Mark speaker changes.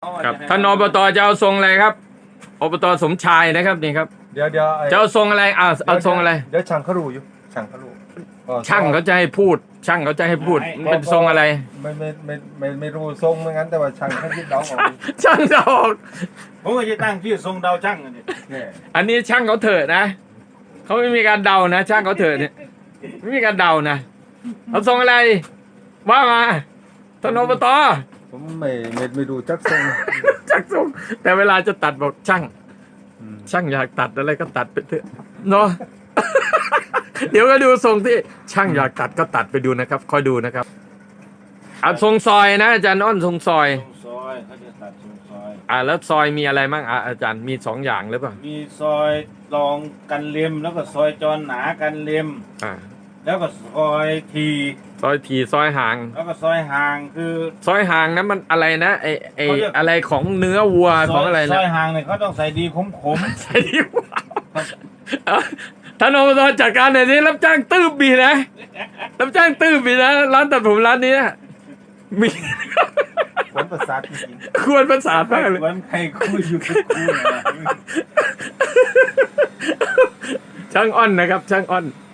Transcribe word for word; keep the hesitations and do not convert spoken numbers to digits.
Speaker 1: ครับท่านอบตจะเอาทรงอะไรครับอบตสมชายนะครับนี่ครับ
Speaker 2: เดี๋ยวเดี๋ยว
Speaker 1: จะเอาทรงอะไรอ่าเอาทรงอะไร
Speaker 2: เดี๋ยวช่างเขารู้อยู่ช่างเขารู้
Speaker 1: ช่างเขาจะให้พูด ช่างเขาจะให้พูดมันเป็นทรงอะไร
Speaker 2: ไม่ไม่ไม่ไม่ไม่รู้ทรงเหมือนกันแต่ว่าช่างเขาคิดเดาออก
Speaker 1: ช่างจะออก
Speaker 3: ผมก็จะตั้งชื่อทรงดาวช่างอันนี้
Speaker 2: เนี่ย
Speaker 1: อันนี้ช่างเขาเถอะนะเขาไม่มีการเดานะ ช่างเขาเถอะเนี่ยไม่มีการเดานะเอาทรงอะไร ว่ามาท่านอบต
Speaker 2: ผมไม่ไม่ไม่ดูจักทรง
Speaker 1: ช่างทรงแต่เวลาจะตัดบอกช่าง
Speaker 2: อืม
Speaker 1: ช่างอยากตัดอะไรก็ตัดไปเถอะเนาะ เดี๋ยวก็ดูทรงที่ช่างอยากตัดก็ตัดไปดูนะครับคอยดูนะครับเอาทรงซอยนะอาจารย์อ้อนทรงซอย
Speaker 3: ทรงซอยเขาจะตัดทรงซอย
Speaker 1: อ่าแล้วซอยมีอะไรบ้างอ่ะอาจารย์มีสองอย่างหรือเปล่า
Speaker 3: มีซอยรองกันเล็มแล้วก็ซอยจรหนากันเล็ม
Speaker 1: อ่า
Speaker 3: แล้วก็ซอยที
Speaker 1: ซอยทีซอยห่าง
Speaker 3: แล้วก็ซอยห่างคือ
Speaker 1: ซอยห่างนั้นมันอะไรนะไอไอ
Speaker 3: เขาเรียก
Speaker 1: อะไรของเนื้อวัวของอะไร
Speaker 3: ซ
Speaker 1: นะ
Speaker 3: อยห่างเนี่ยเขาต้องใส่ดีขมขม
Speaker 1: ใช่ที่วัวเอาท่านอบตจัดการหน่อยสิรับจ้างตื้บบีนะรับจ้างตื้บบีนะร้านตัดผมร้านนี้นะมี
Speaker 2: ผลประสาทจริง
Speaker 1: ควรประสาน
Speaker 3: ๆ
Speaker 1: มากเลย
Speaker 3: วันใครคู่อยู่กับคู่นะ
Speaker 1: ช่างอ้อนนะครับ ช่างอ้อน